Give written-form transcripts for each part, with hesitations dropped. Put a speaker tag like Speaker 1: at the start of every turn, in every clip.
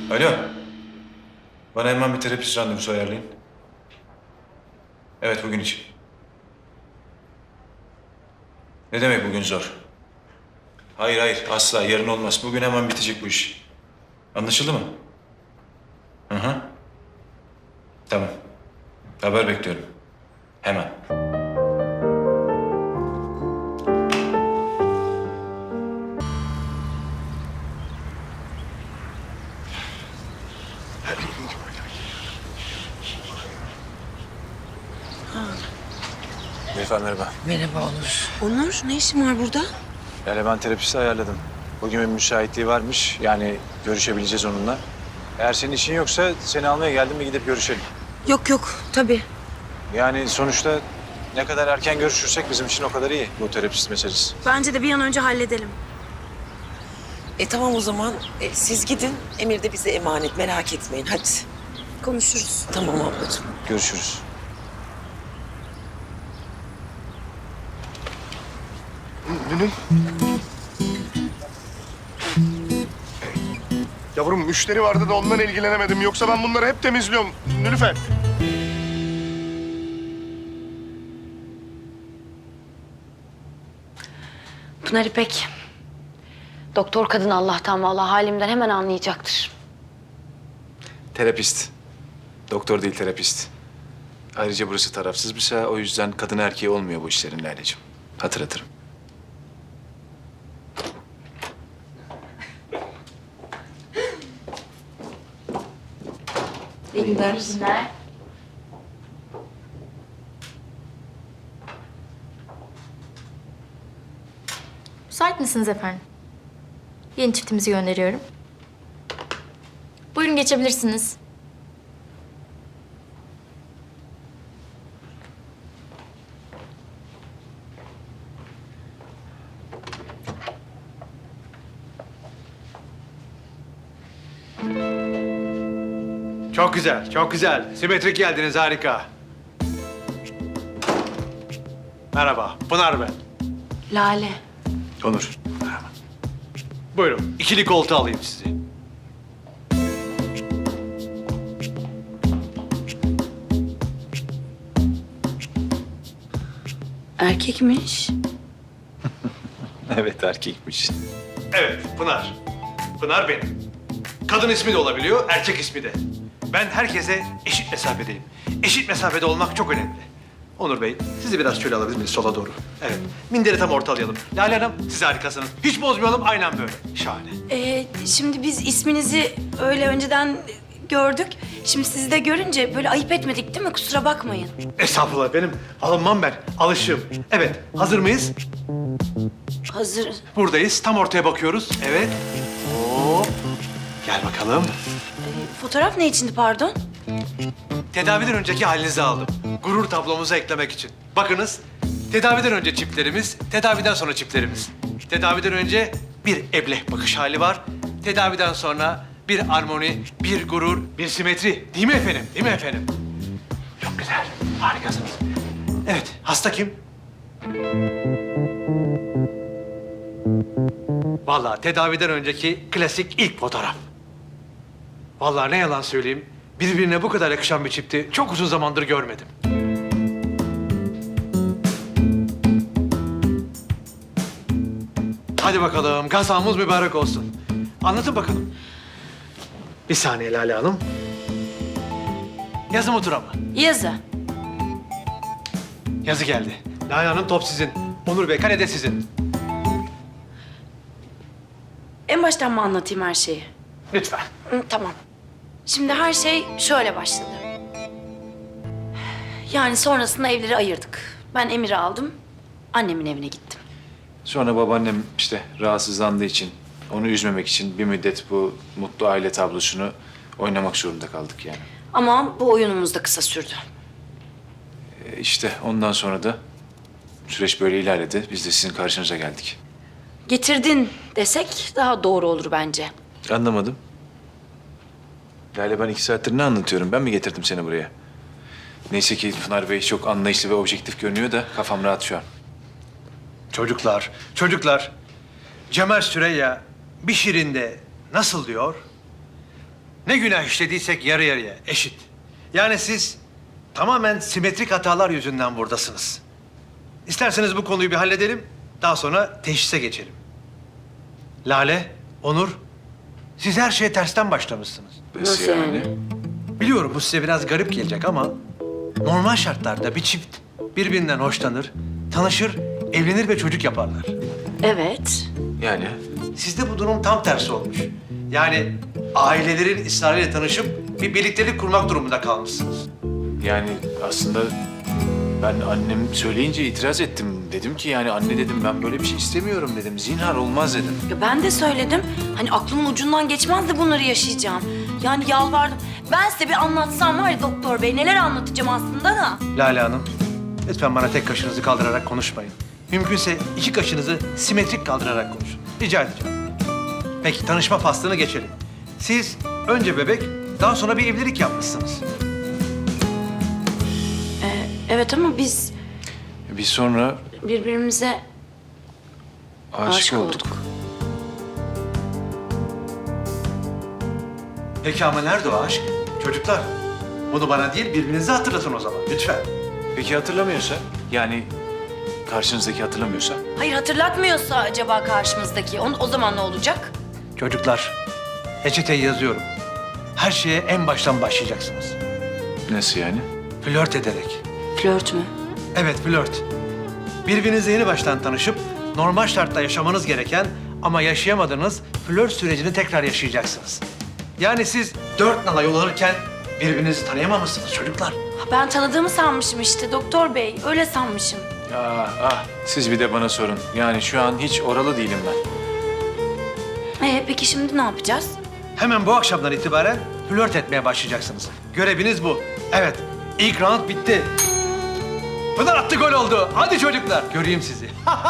Speaker 1: Alo. Bana hemen bir terapist randevusu ayarlayın. Evet, bugün için. Ne demek bugün zor? Hayır, hayır. Asla. Yarın olmaz. Bugün hemen bitecek bu iş. Anlaşıldı mı? Hı hı. Tamam. Haber bekliyorum. Hemen. Efendim merhaba.
Speaker 2: Merhaba Onur. Onur, ne işin var burada?
Speaker 1: Yani ben terapisti ayarladım. Bugün bir müsaitliği varmış. Yani görüşebileceğiz onunla. Eğer senin işin yoksa seni almaya geldim mi gidip görüşelim.
Speaker 2: Yok yok, tabii.
Speaker 1: Yani sonuçta ne kadar erken görüşürsek bizim için o kadar iyi bu terapist meselesi.
Speaker 2: Bence de bir an önce halledelim.
Speaker 3: Tamam o zaman siz gidin. Emir de bize emanet, merak etmeyin hadi.
Speaker 2: Konuşuruz.
Speaker 3: Tamam ablacığım.
Speaker 1: Görüşürüz.
Speaker 4: Nünün. Yavrum müşteri vardı da ondan ilgilenemedim. Yoksa ben bunları hep temizliyorum. Nilüfer.
Speaker 5: Pınar İpek. Doktor kadın Allah'tan vallahi halimden hemen anlayacaktır.
Speaker 1: Terapist. Doktor değil terapist. Ayrıca burası tarafsız bir saha. O yüzden kadın erkeği olmuyor bu işlerin Lale'cim. Hatırlatırım.
Speaker 5: İyi günler.
Speaker 6: Müsait misiniz efendim? Yeni çiftimizi gönderiyorum. Buyurun geçebilirsiniz.
Speaker 7: Çok güzel, çok güzel. Simetrik geldiniz, harika. Merhaba, Pınar ben.
Speaker 5: Lale.
Speaker 1: Onur.
Speaker 7: Buyurun, ikili koltuğa alayım sizi.
Speaker 5: Erkekmiş.
Speaker 1: Evet erkekmiş.
Speaker 7: Evet, Pınar. Pınar benim. Kadın ismi de olabiliyor, erkek ismi de. Ben herkese eşit mesafedeyim. Eşit mesafede olmak çok önemli. Onur Bey, sizi biraz şöyle alabilir miyiz sola doğru? Evet, minderi tam ortalayalım. Lale Hanım, siz harikasınız. Hiç bozmayalım, aynen böyle. Şahane.
Speaker 2: Şimdi biz isminizi öyle önceden gördük. Şimdi sizi de görünce böyle ayıp etmedik değil mi? Kusura bakmayın.
Speaker 7: Estağfurullah benim. Alınmam ben, alışığım. Evet, hazır mıyız?
Speaker 2: Hazır.
Speaker 7: Buradayız, tam ortaya bakıyoruz. Evet. Hop. Gel bakalım.
Speaker 2: Fotoğraf ne içindi pardon?
Speaker 7: Tedaviden önceki halinizi aldım. Gurur tablomuza eklemek için. Bakınız, tedaviden önce çiplerimiz, tedaviden sonra çiplerimiz. Tedaviden önce bir ebleh bakış hali var. Tedaviden sonra bir armoni, bir gurur, bir simetri. Değil mi efendim? Değil mi efendim? Çok güzel, harikasınız. Evet, hasta kim? Vallahi tedaviden önceki klasik ilk fotoğraf. Vallahi ne yalan söyleyeyim, birbirine bu kadar yakışan bir çifti çok uzun zamandır görmedim. Hadi bakalım, gazamız mübarek olsun. Anlatın bakalım. Bir saniye Lale Hanım. Yazı mı tura mı?
Speaker 2: Yazı.
Speaker 7: Yazı geldi. Lale Hanım top sizin. Onur Bey kale de sizin.
Speaker 2: En baştan mı anlatayım her şeyi?
Speaker 7: Lütfen.
Speaker 2: Tamam. Şimdi her şey şöyle başladı. Yani sonrasında evleri ayırdık. Ben Emir'i aldım, annemin evine gittim.
Speaker 1: Sonra babaannem işte rahatsızlandığı için, onu üzmemek için bir müddet bu mutlu aile tablosunu oynamak zorunda kaldık yani.
Speaker 2: Ama bu oyunumuz da kısa sürdü.
Speaker 1: İşte ondan sonra da süreç böyle ilerledi. Biz de sizin karşınıza geldik.
Speaker 2: Getirdin desek daha doğru olur bence.
Speaker 1: Anlamadım. Lale ben 2 saattir ne anlatıyorum? Ben mi getirdim seni buraya? Neyse ki Pınar Bey çok anlayışlı ve objektif görünüyor da kafam rahat şu an.
Speaker 7: Çocuklar, çocuklar. Cemal Süreyya bir şiirinde nasıl diyor? Ne günah işlediysek yarı yarıya, eşit. Yani siz tamamen simetrik hatalar yüzünden buradasınız. İsterseniz bu konuyu bir halledelim, daha sonra teşhise geçelim. Lale, Onur, siz her şeye tersten başlamışsınız.
Speaker 5: Nasıl yani?
Speaker 7: Biliyorum bu size biraz garip gelecek ama normal şartlarda bir çift birbirinden hoşlanır, tanışır, evlenir ve çocuk yaparlar.
Speaker 5: Evet.
Speaker 1: Yani?
Speaker 7: Sizde bu durum tam tersi olmuş. Yani ailelerin ısrarıyla tanışıp bir birliktelik kurmak durumunda kalmışsınız.
Speaker 1: Yani aslında ben annem söyleyince itiraz ettim. Dedim ki yani anne dedim ben böyle bir şey istemiyorum dedim. Zinhar olmaz dedim.
Speaker 2: Ya ben de söyledim. Hani aklımın ucundan geçmez de bunları yaşayacağım. Yani yalvardım. Ben size bir anlatsam var ya doktor bey neler anlatacağım aslında da.
Speaker 7: Lale Hanım, lütfen bana tek kaşınızı kaldırarak konuşmayın. Mümkünse iki kaşınızı simetrik kaldırarak konuşun. Rica edeceğim. Peki tanışma faslını geçelim. Siz önce bebek, daha sonra bir evlilik yapmışsınız.
Speaker 2: Evet ama biz
Speaker 1: Bir sonra
Speaker 2: birbirimize
Speaker 1: aşık olduk.
Speaker 7: Peki ama nerede o aşk? Çocuklar, bunu bana değil birbirinize hatırlatın o zaman lütfen.
Speaker 1: Peki hatırlamıyorsa? Yani karşınızdaki hatırlamıyorsa?
Speaker 2: Hayır hatırlatmıyorsa acaba karşımızdaki o zaman ne olacak?
Speaker 7: Çocuklar, reçeteyi yazıyorum. Her şeye en baştan başlayacaksınız.
Speaker 1: Nasıl yani?
Speaker 7: Flört ederek.
Speaker 2: Flört mü?
Speaker 7: Evet, flört. Birbirinizle yeni baştan tanışıp normal şartta yaşamanız gereken ama yaşayamadığınız flört sürecini tekrar yaşayacaksınız. Yani siz 4 nala yol alırken birbirinizi tanıyamamışsınız çocuklar.
Speaker 2: Ha, ben tanıdığımı sanmışım işte doktor bey. Öyle sanmışım.
Speaker 1: Siz bir de bana sorun. Yani şu an hiç oralı değilim ben.
Speaker 2: Peki şimdi ne yapacağız?
Speaker 7: Hemen bu akşamdan itibaren flört etmeye başlayacaksınız. Göreviniz bu. Evet, ilk round bitti. Pınar attı, gol oldu. Hadi çocuklar, göreyim sizi.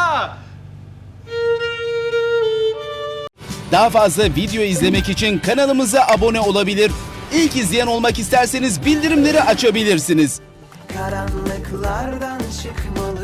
Speaker 8: Daha fazla video izlemek için kanalımıza abone olabilir. İlk izleyen olmak isterseniz bildirimleri açabilirsiniz.
Speaker 9: Karanlıklardan çıkmalı